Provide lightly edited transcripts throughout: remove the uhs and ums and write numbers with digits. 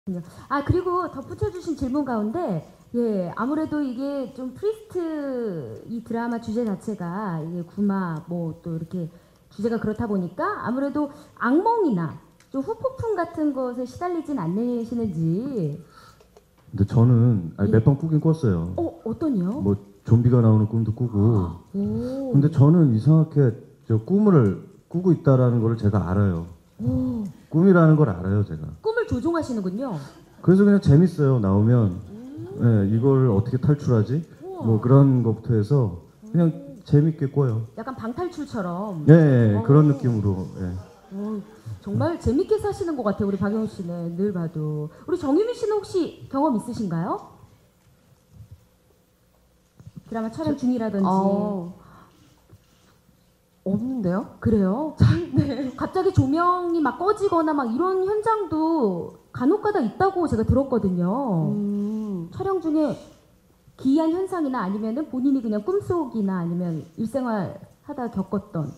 아, 그리고 덧붙여주신 질문 가운데, 예, 아무래도 이게 좀 프리스트 이 드라마 주제 자체가 이게 구마 뭐 또 이렇게 주제가 그렇다 보니까 아무래도 악몽이나 좀 후폭풍 같은 것에 시달리진 않으시는지. 근데 저는 예. 몇 번 꾸긴 꿨어요. 어떤요? 뭐 좀비가 나오는 꿈도 꾸고. 오. 근데 저는 이상하게 저 꿈을 꾸고 있다라는 걸 제가 알아요. 오. 꿈이라는 걸 알아요, 제가. 꿈을 조종하시는군요. 그래서 그냥 재밌어요. 나오면 예, 이걸 어떻게 탈출하지? 우와. 뭐 그런 것부터 해서 그냥 재밌게 꿔요. 약간 방탈출처럼. 예, 예, 그런 느낌으로. 예. 정말 재밌게 사시는 것 같아요, 우리 박영우 씨는 늘 봐도. 우리 정유미 씨는 혹시 경험 있으신가요? 드라마 촬영 중이라든지. 없는데요? 그래요? 네. 갑자기 조명이 막 꺼지거나 막 이런 현장도 간혹가다 있다고 제가 들었거든요. 촬영 중에 기이한 현상이나 아니면은 본인이 그냥 꿈속이나 아니면 일생활 하다 겪었던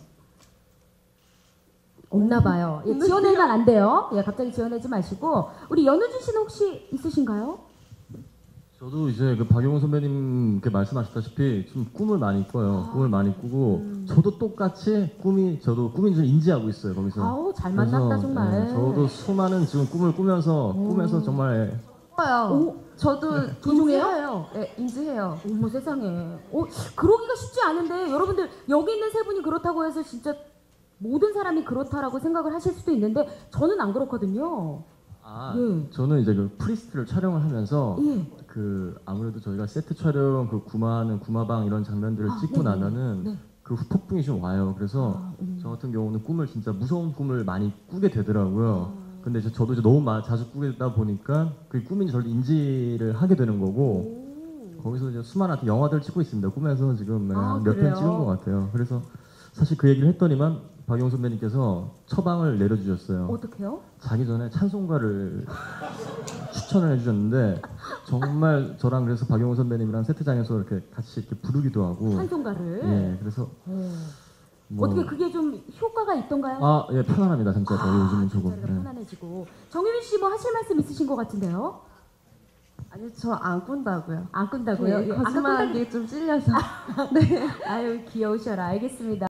없나 봐요. 예, 지어내면 안 돼요. 예, 갑자기 지어내지 마시고. 우리 연우진 씨는 혹시 있으신가요? 저도 이제 그 박영훈 선배님께 말씀하셨다시피 좀 꿈을 많이 꿔요. 꿈을 많이 꾸고 저도 똑같이 저도 꿈인 줄 인지하고 있어요. 거기서. 아우, 잘 만났다 정말. 저도 수많은 지금 꿈을 꾸면서 꿈에서 정말 요 저도 조종해요? 인지해요. 네, 인지해요. 어머 세상에. 그러기가 쉽지 않은데 여러분들 여기 있는 세 분이 그렇다고 해서 진짜 모든 사람이 그렇다라고 생각을 하실 수도 있는데 저는 안 그렇거든요. 예. 저는 이제 그 프리스트를 촬영을 하면서 예. 그 아무래도 저희가 세트 촬영 그 구마하는 구마방 이런 장면들을 찍고 네네. 나면은 네. 그 후폭풍이 좀 와요. 그래서 저 같은 경우는 꿈을 진짜 무서운 꿈을 많이 꾸게 되더라고요. 근데 저도 이제 너무 자주 꾸다 보니까 그 꿈인지 저를 인지를 하게 되는 거고 거기서 이제 수많은 영화들 찍고 있습니다. 꿈에서 지금 몇 편 그래요? 찍은 것 같아요. 그래서 사실 그 얘기를 했더니만 박영 선배님께서 처방을 내려주셨어요. 어떻게요? 자기 전에 찬송가를 추천을 해주셨는데 정말 저랑 그래서 박영호 선배님이랑 세트장에서 이렇게 같이 이렇게 부르기도 하고 찬송가를. 예 그래서 뭐 어떻게 그게 좀 효과가 있던가요? 예 편안합니다 진짜 요즘은 조금 진짜 예. 편안해지고. 정유민 씨 뭐 하실 말씀 있으신 것 같은데요? 아니, 저 안 꾼다고요. 안 끈다고요? 네, 예, 아까 거짓말하기 좀 찔려서. 네. 아유 귀여우셔라. 알겠습니다.